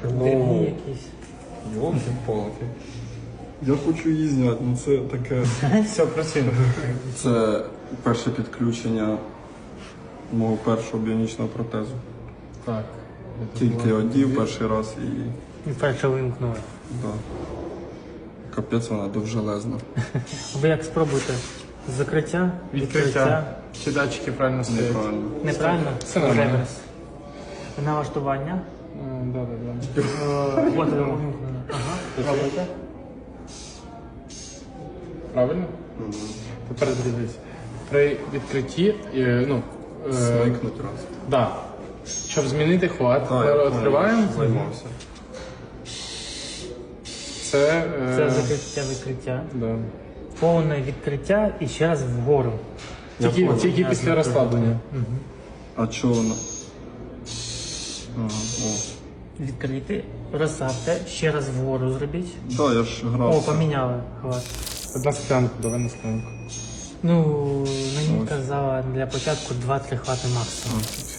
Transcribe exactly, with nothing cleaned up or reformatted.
Дивні якісь. Йолки-палки. Я хочу її зняти, ну це таке. Все, працюємо. Це перше підключення мого першого біонічного протезу. Так. Тільки одів перший раз і. І перше вимкнули. Да. Капець вона довжелезна. Ви як спробуйте? Закриття, Відкриття. Чи датчики правильно стоять? Неправильно. Неправильно? Все нормально. Реверс. Налаштування. Так, так, так. Е, От воно вимкнено. Ага. Пробуйте. Правильно? Тепер дивись. При відкритті, е, ну, е, Смикнуть раз. да. Щоб змінити хват, Так, ми я відкриваємо. займався. Це, е, Це закриття, відкриття. да. Повне відкриття і ще раз вгору. Тільки, понял. тільки після розслаблення. А чого вона? Ага, о. Відкрити, розсадьте, ще раз вгору зробіть. Так, я ж грав. О, поміняли хват. Одна склянку, давай на склянку. Ну, мені казала для початку два-три хвати максимум.